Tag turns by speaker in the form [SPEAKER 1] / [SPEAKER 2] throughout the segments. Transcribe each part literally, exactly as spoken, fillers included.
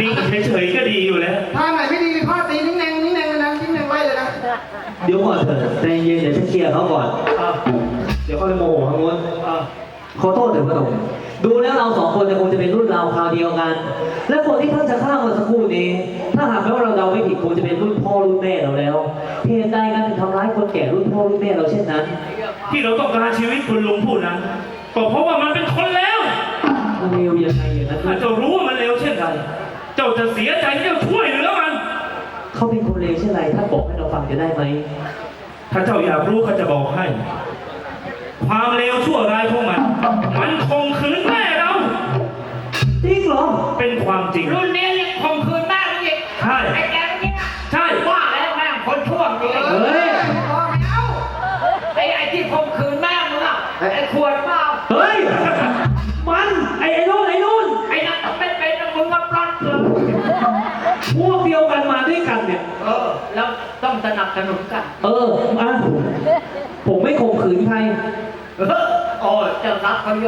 [SPEAKER 1] นิ่งเฉยๆก็ดีอยู่แล้ว
[SPEAKER 2] ท่าไหนไม่ดีเลยพ่อตีนิ่งแนงนิ่งแนงเลยนะนิ่งแนงไว้เลยนะ
[SPEAKER 3] เดี๋ยวก่อนเถอะใจเย็นเดี๋ยวฉันเคลียร์เขาก่อนเดี๋ยวเขาไปโมโหทางโน้นขอโทษเถอะพระองค์ดูแล้วเราสองคนจะคงจะเป็นรุ่นราวคราวเดียวกันและคนที่ท่านจะฆ่าเมื่อสักครู่นี้ถ้าหากแม้ว่าเราเดาไม่ผิดคงจะเป็นรุ่นพ่อรุ่นแม่เราแล้วเหตุใดกันถึงทำร้ายคนแก่รุ่นพ่อรุ่นแม่เราเช่นนั้น
[SPEAKER 1] ที่เราต้องการชีวิตคุณลุงผู้นั้นก็เพราะว่ามันเป็นคนเลว
[SPEAKER 3] มันเลวยังไงอย่างนั้น
[SPEAKER 1] ถ้าเจ้ารู้ว่ามันเลวเช่นไรเจ้าจะเสียใจที่เจ้าช่วยเหลือมัน
[SPEAKER 3] เขาเป็นคนเลวเช่นไรถ้าบอกให้เราฟังจะได้ไหม
[SPEAKER 1] ถ้าเจ้าอยากรู้เขาจะบอกให้ความเลวชั่วร้ายของมันมันคงคืนแม่เรา
[SPEAKER 3] จริงเหรอ
[SPEAKER 1] เป็นความจริง
[SPEAKER 4] รุ่นนี้ยังคงคืนแม่เราอีก
[SPEAKER 1] ใช่
[SPEAKER 4] ไอ้แกนี่
[SPEAKER 1] ใช่
[SPEAKER 4] ว่าแล้วแม่คนชั่วจริง
[SPEAKER 3] เฮ้ย
[SPEAKER 4] ไอ้ไอ้ที่คงคืนแม่มึงอ่ะไอ้ขวดเปล่า
[SPEAKER 3] เฮ้ยมันไอ้ไอ้นู่นไอ้นู่น
[SPEAKER 4] ไอ้นั่นไม่เป็นมึงมาปล้นเลย
[SPEAKER 3] พวกเดียวกันมาด้วยกันเนี่ย
[SPEAKER 4] เออแล้วต้องสนับสนุนกัน
[SPEAKER 3] เอออ่ะผมไม่ข่มขืนใคร
[SPEAKER 4] เออโอ้เจ้ารักเขาโย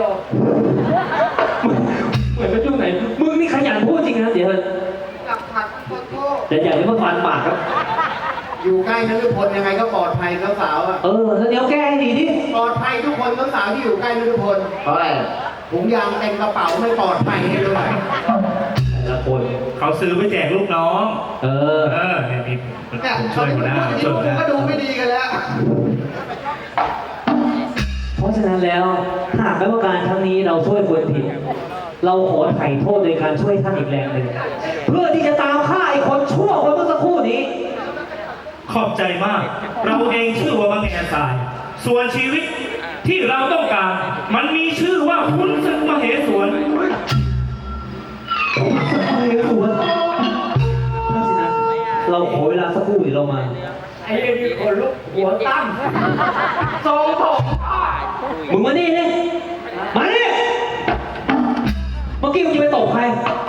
[SPEAKER 3] เหมือนเป็นช่วงไหนมึงนี่ขยันพูดจริงนะเดี๋ยว
[SPEAKER 2] หลักฐานคนโทษ
[SPEAKER 3] แต่อย่าเรียกว่าฟันปากครับ
[SPEAKER 2] อยู่ใกล้นฤพลยังไงก็ปลอดภัยสาวอ่ะ
[SPEAKER 3] เออแล้วเดี๋ยวแก้ให้ดีดิ
[SPEAKER 2] ปลอดภัยทุกคนสาวที่อยู่ใกล้นฤพล
[SPEAKER 3] เพราะอะไร
[SPEAKER 2] ถุงยางเต็มกระเป๋าไม่ปลอดภัยให้ด้วย
[SPEAKER 3] แต่ละคน
[SPEAKER 1] เขาซื้อไปแจกลูกน้อง
[SPEAKER 3] เออ
[SPEAKER 1] เออเนี่ยมีผมช่วยหัวหน้า
[SPEAKER 2] ช่วยหัวหน้าก็ดูไม่ดีกันแล้ว
[SPEAKER 3] เพราะฉะนั้นแล้วหากแม้ว่าการครั้งนี้เราช่วยคนผิดเราขอไถ่โทษโดยการช่วยท่านอีกแรงหนึ่งเพื่อที่จะตามฆ่าไอ้คนชั่วคนเมื่อสักครู่นี้
[SPEAKER 1] ขอบใจมากเราเองชื่อว่าบางแง่ทรายส่วนชีวิตที่เราต้องการมันมีชื่อว่าขุนศึกมเหสวน
[SPEAKER 3] ขุนศึกมเหสวนเพราะฉะนั้นเราขอเวลาสักครู่เดี๋ยวเรามา
[SPEAKER 4] ไอ้นี่คนลุกหัวตั้งทรงผม
[SPEAKER 3] มึงมานี่นี่มานี่เมื่อกี้มึงจะไปตบใคร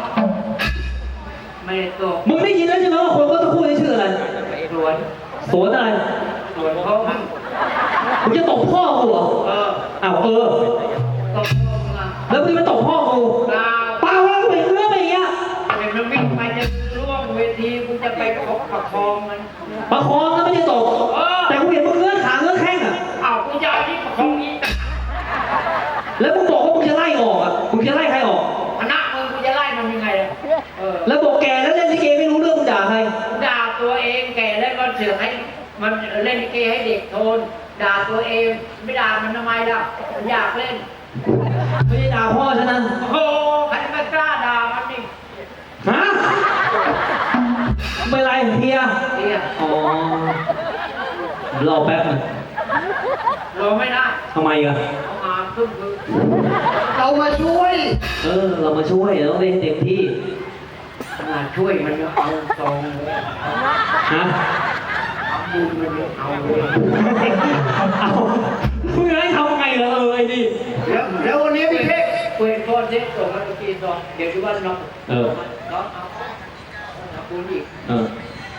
[SPEAKER 4] ไม่ได้ตบ
[SPEAKER 3] มึงได้ยินแล้วใช่ไหมว่าคนเมื่อสักครู่นี้ชื่ออะไร
[SPEAKER 4] สวน
[SPEAKER 3] สวนอะไร
[SPEAKER 4] สวนเขามึง
[SPEAKER 3] มึงจะตบพ่อกูเหรอ
[SPEAKER 4] เออ
[SPEAKER 3] อ้าวเออ
[SPEAKER 4] ตบพ่อมึงอ่ะ
[SPEAKER 3] แล้วมึงมาตบพ่อกูเปล่าแล้วไปเรื่อยไปอย่างเงี้ย
[SPEAKER 4] เห็นมันวิ่งไปจะร่วงเวทีกูจะไปประคองมัน
[SPEAKER 3] ประคองแล้วไม่ได้ตบแต่กูเห็นมึงเลื่อนขาเลื่อนแข้งอ่ะ
[SPEAKER 4] อ้าวกูจะที่ประคองนี้
[SPEAKER 3] แล้วมึงบอกว่ามึงจะไล่ออกอ่ะมึงจะไล่ใครออก
[SPEAKER 4] คณะมึงกูจะไล่มันยังไงอ่ะ
[SPEAKER 3] แล้วบอกแกแล้วเล่นลิเกไม่รู้เรื่องมึงด่าใคร
[SPEAKER 4] ด่าตัวเองแกเล่นคอนเสิร์ตให้มันเล่นลิเกให้เด็กโทนด่าตัวเองไม่ด่ามันทำไมล่ะมันอยากเล่น
[SPEAKER 3] ไม่ได้ด่าพ่อฉันนะ
[SPEAKER 4] โอ้ใครไม่กล้าด่ามันนี่
[SPEAKER 3] ฮะไม่ไรเพีย
[SPEAKER 4] เพีย
[SPEAKER 3] อ๋อรอแป๊บนึง
[SPEAKER 4] รอไม่ได้
[SPEAKER 3] ทำไมอ่ะ
[SPEAKER 4] เอามาพึ่งพึ่ง
[SPEAKER 2] เรามาช่วย
[SPEAKER 3] เออเรามาช่วยเราต้องเล่นเต็มที่
[SPEAKER 4] มาช่วยมันเอาตรง
[SPEAKER 3] ฮะ
[SPEAKER 4] บุญมันเอาเลย
[SPEAKER 3] เอาเพื่อให้ทำไงล่ะเออไอ้ดิ
[SPEAKER 2] แล้วแล้ววันนี้พี่เทพ
[SPEAKER 4] เปิดโทษเทปส่งมาเมื่อกี้ตอนเดี๋ยวดูว่าน้อง
[SPEAKER 3] เออ
[SPEAKER 4] น้องเอาเอาบุญอีก
[SPEAKER 3] เออ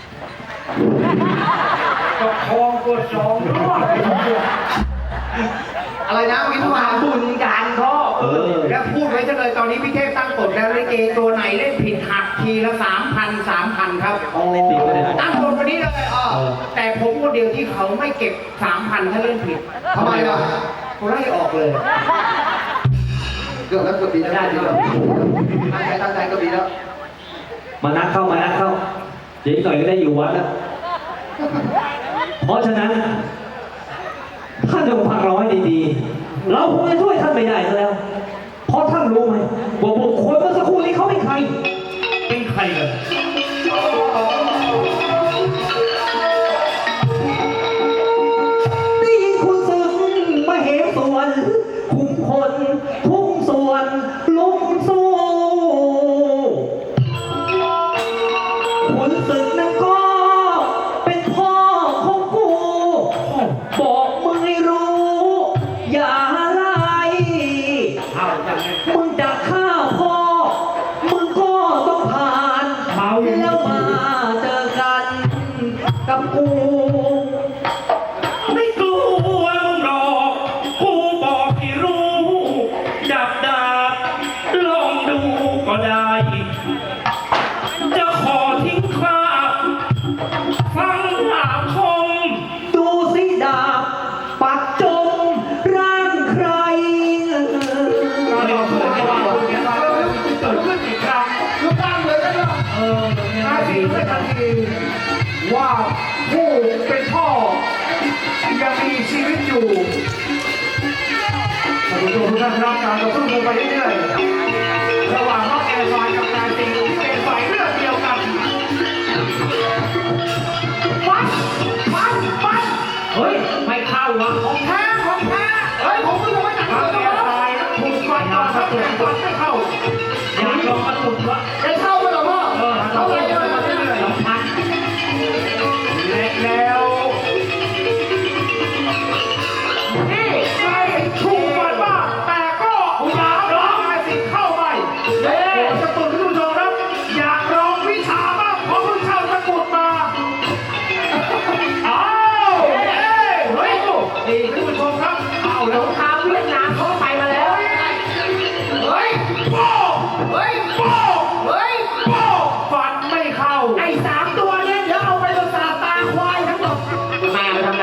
[SPEAKER 4] ก็คลองตัวสอง
[SPEAKER 2] อะไรนะวิทวา
[SPEAKER 4] บุญการพ่อ
[SPEAKER 3] เออ
[SPEAKER 2] แล้วพูดไว้จะเลยตอนนี้พี่เทพตั้งกฎแล้วลิเกตัวไหนเล่นผิดหักทีละสามพันสามพันครับ
[SPEAKER 3] โอ้
[SPEAKER 2] ตั้งกฎวันนี้เลยอ๋อแต่ผมคนเดียวที่เขาไม่เก็บสามพันถ้าเล่นผิดทำไมล่ะเขาไล่ออกเลยเกือบแล้วเกือบดีแล้วได้ดีแล้วตั้งใจตั้งใจก็ดีแล้ว
[SPEAKER 3] มานักเข้ามานักเข้าเดี๋ยวหน่อยก็ได้อยู่วัดแล้วเพราะฉะนั้นท่านจงฟังเราให้ดีๆเราคงจะช่วยท่านไม่ได้ซะแล้วเพราะท่านรู้ไหมว่าบุคคลเมื่อสักครู่นี้เขาเป็นใคร
[SPEAKER 1] เป็นใครกัน
[SPEAKER 3] ได้ยินคุณศึกมาเหมส่วนคุมคนทุกส่วนลุกสู้คุณศึกนั้นก็เป็นพ่อของกูบอกมึงให้รู้อย่าไล่มึงจะฆ่าพ่อมึงก็ต้องผ่านแล้วมาเจอกันกับกู
[SPEAKER 1] ไม่กลัวมึงหรอกกูบอกให้รู้จับดาบลองดูก็ได้
[SPEAKER 2] ได้ทันทีว่าผู้เป็นพ่อยังมีชีวิตอยู่ท่านผู้ชมทุกท่านรับการต่อสู้กันไปเรื่อยๆระหว่างน้องแอร์ไลน์กับนายสิงห์ที่เป็นฝ่ายเลือดเดียวกันฟันฟันฟัน
[SPEAKER 4] เฮ้ยไม่เข้าวะ
[SPEAKER 2] ของแท้ของแท้เฮ้ยผมก็ยังไม่จับ
[SPEAKER 1] น้อง
[SPEAKER 2] เล
[SPEAKER 1] แอย ร์ไลน์ถูกฟันมาครับแต่ฟันไม่เข้า
[SPEAKER 4] อยากลองกระตุกวะ
[SPEAKER 2] ได้เข้าไหมล่ะพ่อเข้าไปเลย
[SPEAKER 4] สองพัน
[SPEAKER 2] และแล้วนี่ใครถูกฟันบ้างแต่ก็อยากร้องนายสิงห์เข้าไปเฮ้ยจะตุ่นที่ดูโชว์ครับอยากร้องวิชาบ้างเพราะเพิ่งเข้าตะกุดมาอ้าวเฮ้ยเฮ้ยนี่ท่านผู้ชมครับเอาแล้ว
[SPEAKER 4] ทางเวียดนามเขาไปมาแล้ว
[SPEAKER 2] เฮ้ยโป้เฮ้ยโป้เฮ้ยโป้ฟันไม่เข้า
[SPEAKER 4] ไอ้สามตัวเนี่ยเดี๋ยวเอาไปประสาทตาควายทั้งหมดแม่ไปทำไร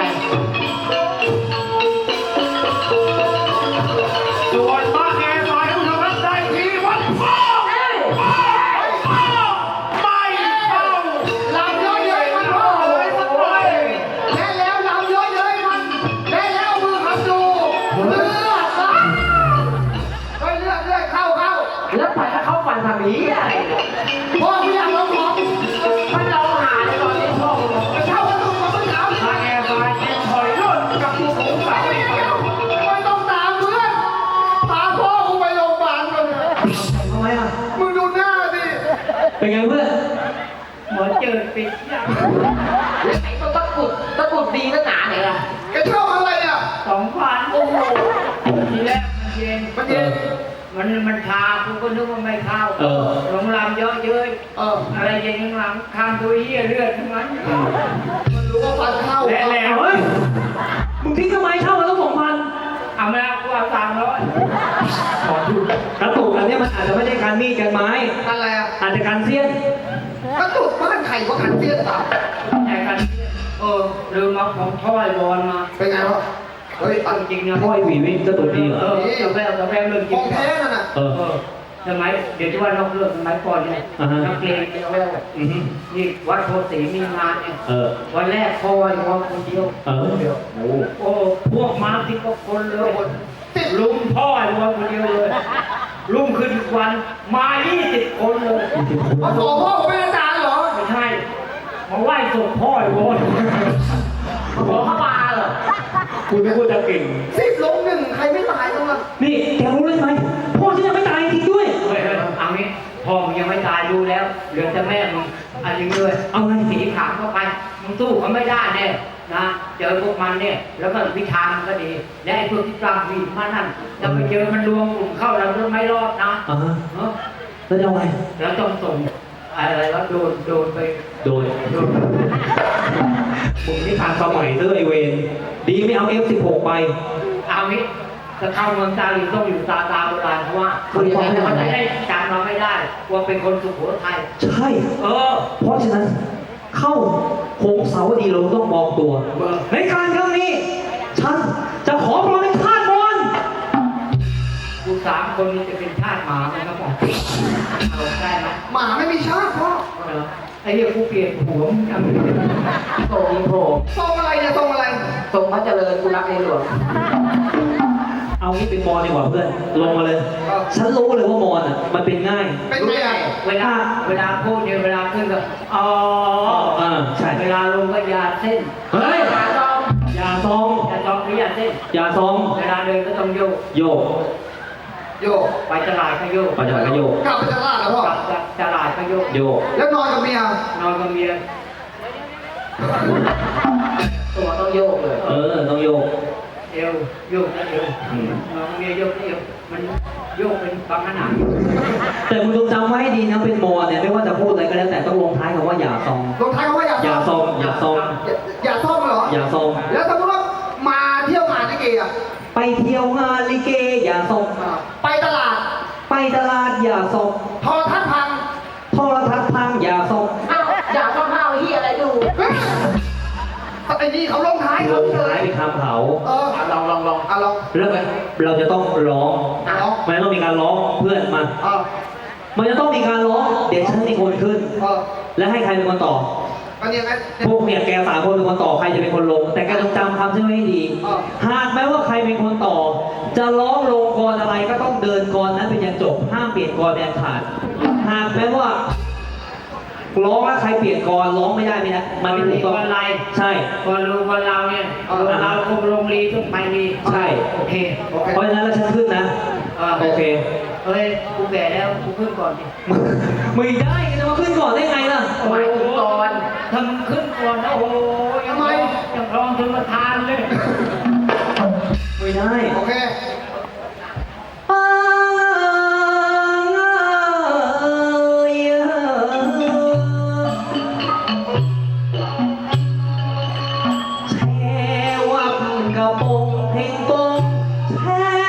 [SPEAKER 2] ส่วนบ้านแอร์ไลน์ผู้ชมครับได้ทีวัดโป้โป้โป้ไม่เข้าลำเยอะเย้ยมันโป้เลยสักหน่อยและแล้วลำเยอะเย้ยมันและแล้วมือขับดูเลือดอ่ะเฮ้ยเลือดเลือดเข้าเข้า
[SPEAKER 4] แล้วไปแล้วเขาฟันทำนี้อะไร
[SPEAKER 2] พ่อพี่อยากลองของ
[SPEAKER 4] มันเราหาในตอนนี้พ่อมึงบอก
[SPEAKER 2] ไปเข้าประตูมาเมื่อเช้าทางแอร์ไลน์เอ็มถอยรถกับตัวผมสาวอีกแล้วไม่ต้องตามเพื่อนพาพ่อกูไปโรงพยาบาลก่อนเถอะ
[SPEAKER 3] ทำไมอ่ะ
[SPEAKER 2] มึงดูหน้าสิ
[SPEAKER 3] เป็นไงเพื่อน
[SPEAKER 4] เหมือนเจอปิดอย่างไอ้ตัวตะกุดตะกุดดีนักหนาเนี่ยล่ะ
[SPEAKER 2] แกชอบอะไรอ่ะ
[SPEAKER 4] สองพันโอ้โหทีแรกมันเย็น
[SPEAKER 2] มันเย็น
[SPEAKER 4] มันมันชากูก็นึกว่าไม่เข้า
[SPEAKER 3] เออ
[SPEAKER 4] โรงแรมเยอะเย้ย
[SPEAKER 2] เออ
[SPEAKER 4] อะไรเย็นข้างหลังข้ามตัวเหี้ยเลือดทั้งนั้น
[SPEAKER 2] มันรู้ว่าฟันเข้า
[SPEAKER 1] และแล้ว
[SPEAKER 3] เฮ้ย มึงทิ้งทำไมเช่ามาตั้งสองพัน
[SPEAKER 4] เอามากูเอาสามร้อย
[SPEAKER 3] กระตุกอันเนี้ยมันอาจจะไม่ได้การมีดกันไม้
[SPEAKER 2] อะไรอ่ะ
[SPEAKER 3] อาจจะการเสี้ยน
[SPEAKER 2] กระตุกบ้านไข่ก็ขันเตี้ยต่
[SPEAKER 4] ใหญ่กัน
[SPEAKER 2] ำเออ
[SPEAKER 4] ลืมเอาของถ้อยบอลมา
[SPEAKER 2] เป็นไงวะเฮ้ยอัน
[SPEAKER 4] จริงนะ
[SPEAKER 3] พ่อยหวีวิ่งกระตุกดีเหร
[SPEAKER 4] เอ
[SPEAKER 3] อ
[SPEAKER 4] อจะแววจะแววเรื่องจ
[SPEAKER 2] ข
[SPEAKER 4] ริ
[SPEAKER 2] อง งแท้นั่นน่ะ
[SPEAKER 3] เออ
[SPEAKER 4] เออสมัยเดี๋ยวที่ว่านอกเรื่องสมัยก่อนเนี่ย
[SPEAKER 3] อ่าฮะ
[SPEAKER 4] นักเรียนจะแวว
[SPEAKER 3] อือฮึ
[SPEAKER 4] นี่วัดโพสีมีงานเนี่ย
[SPEAKER 3] เออ
[SPEAKER 4] วันแรกพ่อวันคนเดียว
[SPEAKER 3] เออ โอ้
[SPEAKER 4] โอ้พวกมาสิบกว่าคนเลย
[SPEAKER 2] ติด
[SPEAKER 4] ลุมพ่อไอ้วันคนเดียวเลยลุมขึ้นอีกวันมายี่สิบคนเลย
[SPEAKER 2] เอาตัวพ่อผมเป็นอาจารย์เหรอ
[SPEAKER 4] ไม่ใช่มาไหว้ศพพ่อไอ้วันขอเข้ามาเหรอ
[SPEAKER 3] คุณไม่พูดจะเก่ง
[SPEAKER 2] สิบลงหนึ่งใครไม่ตายต้องมา
[SPEAKER 3] นี่แกรู้เลยไหมพ่อฉันยังไม่ตายจริงด้วย
[SPEAKER 4] เฮ้ยเฮ้ยเอางี้พ่อมึงยังไม่ตายดูแล้วเหลือแต่แม่มึงเอันนี้เลย
[SPEAKER 3] เอาไง
[SPEAKER 4] สีขามเข้าไปมึงสู้เขาไม่ได้แน่นะเจอพวกมันเนี่ยแล้วก็วิชามันก็ดีและไอ้พวกที่ตามวีมานั่นจะไปเจอมันรวมกลุ่มเข้าเราก็ไม่รอดนะ
[SPEAKER 3] อ่าฮะ
[SPEAKER 4] เนาะ
[SPEAKER 3] แล้วจะเอาไง
[SPEAKER 4] แล้วต้องส่งอะไรวะโดนโดนไป
[SPEAKER 3] โดน
[SPEAKER 4] โดน
[SPEAKER 3] มึงนี่ทางสมัยเด้อไอเวนดีไม่เอา เอฟ สิบหก ไป
[SPEAKER 4] เอางี้จะเข้าเมืองตาลีต้องอยู่ตาตาโบราณเพราะว่าเขาจะเขาจะได้จำเราไม่ได้ว่าเป็นคนสุโขทัย
[SPEAKER 3] ใช่
[SPEAKER 4] เออ
[SPEAKER 3] เพราะฉะนั้นเข้าโค้งเสาดีเราต้องมองตัว ในการครั้งนี้ ฉันจะขอปลอมเป็นทาสบอล
[SPEAKER 4] กูสามคนนี้จะเป็นทาสหมาไหมครับผมเอาได้ไหม
[SPEAKER 2] หมาไม่มีชาติพ่อ
[SPEAKER 4] เออไอ้เหี้ยกูเปลี่ยนหัวมึงทำไมโตยิงโผล่
[SPEAKER 2] ทรงอะไรเนี่ยทรงอะไร
[SPEAKER 4] ทรงพระเจริญกูรักในหลวง
[SPEAKER 3] เอางี้เป็นมอนดีกว่าเพื่อน ลงมาเลย ฉันรู้เลยว่ามอนอ่ะ มันเป็นง่าย
[SPEAKER 2] เป็นไงอ่ะ
[SPEAKER 4] เวลาเวลาพูดเนี่ยเวลาขึ้นก็อ๋อ
[SPEAKER 3] อ่าใช่
[SPEAKER 4] เวลาลงก็ยาเส้น
[SPEAKER 3] เฮ้ย
[SPEAKER 4] ยาซอง
[SPEAKER 3] อย่าซอง
[SPEAKER 4] ยาซองหรือยาเส้น
[SPEAKER 3] อย่าซอง
[SPEAKER 4] เวลาเดินก็ต้องโยก
[SPEAKER 3] โยก
[SPEAKER 2] โยก
[SPEAKER 4] ไปตลาดก็โยก
[SPEAKER 3] ไปตลาดก็โยก
[SPEAKER 2] กลับไปจะลาดแล้วพ่อก
[SPEAKER 4] ลับจากตลาดก็โยก
[SPEAKER 3] โยก
[SPEAKER 2] แล้วนอนกับเมีย
[SPEAKER 4] นอนกับเมียตัวต้องโยกเลย
[SPEAKER 3] เออ ต้องโยก
[SPEAKER 4] เอวโยกนะเอว
[SPEAKER 3] อืม
[SPEAKER 4] นอนกับเมียโยกนะเอวมันโยกเป็นบางขนาด
[SPEAKER 3] แต่มึงต้องจำไว้ให้ดีนะ เป็นมอนเนี่ย ไม่ว่าจะพูดอะไรก็แล้วแต่ต้องลงท้ายคำว่าอย่าซอง
[SPEAKER 2] ลงท้ายเขาว่าอย่า
[SPEAKER 3] อย่าซอง อย่าซอง
[SPEAKER 2] อย่าอย่าซ่อมเหรอ
[SPEAKER 3] อย่าซอง
[SPEAKER 2] แล้วสมมติว่ามาเที่ยวงานลิเกอ่ะ
[SPEAKER 3] ไปเที่ยวงานลิเก อย่าซอง
[SPEAKER 2] ไปตลาด
[SPEAKER 3] ไปตลาดอย่าซอง
[SPEAKER 2] โทรทัศน์พัง
[SPEAKER 3] โทรทัศน์พังอย่าซอง
[SPEAKER 4] อ้าวอยากต้องห้าวเฮียอะไรดู
[SPEAKER 2] เฮ้ยไอ้นี่เขาลงท้าย
[SPEAKER 3] ล
[SPEAKER 2] เขา
[SPEAKER 3] ง
[SPEAKER 2] เล
[SPEAKER 3] ท้าย
[SPEAKER 2] ย
[SPEAKER 3] เป็นคำเขา
[SPEAKER 2] เออ
[SPEAKER 4] ลองลองลอง
[SPEAKER 2] อ่ะลอง
[SPEAKER 3] แล้วเราจะต้องร้อง
[SPEAKER 2] อ่ะลอง
[SPEAKER 3] มันต้องมีการร้องเพื่อนมา
[SPEAKER 2] เออ
[SPEAKER 3] มันจะต้องมีการร้องเดี๋ยวฉันเป็นคนขึ้น
[SPEAKER 2] เออ
[SPEAKER 3] และให้ใครเป็นคนต่อ
[SPEAKER 2] ก็เนี่ยไง
[SPEAKER 3] พวกเนี่ยแกสามคนเป็นคนต่อใครจะเป็นคนลง แต่แกต้องจำคำใช่ไหมให้ดี
[SPEAKER 2] อ่า
[SPEAKER 3] หากแม้ว่าใครเป็นคนต่อ จะร้องลงกรอะไรก็ต้องเดินกรนั้นเป็นยันจบห้ามเปลี่ยนกรแดนขาด หากแม้ว่าร้องแล้วใครเปลี่ยนกรร้องไม่ได้ไม่ได้มันไม่ถูกต้อง
[SPEAKER 4] อะไร
[SPEAKER 3] ใช่
[SPEAKER 4] คนรู้คนเราเนี่ยคนเราคงลงรีทุกไปรี
[SPEAKER 3] ใช่
[SPEAKER 4] โอเค
[SPEAKER 2] โอเค
[SPEAKER 3] เพราะฉะนั้นแล้วฉันขึ้นนะ
[SPEAKER 4] เออ
[SPEAKER 3] โอเค
[SPEAKER 4] เฮ้ยกูแก่แล้วกูขึ้นก่อนดิ
[SPEAKER 3] มึงได้แกจะมาขึ้นก่อนได้ไงล่ะ
[SPEAKER 4] หมายถึงก่อนทำขึ้นก่อนนะโอ้โหยังไม่ยังรองถึงประธานเลย
[SPEAKER 3] ไม่ได้
[SPEAKER 2] โอเค
[SPEAKER 3] แช่วับกระโปงเพลงโปงแช่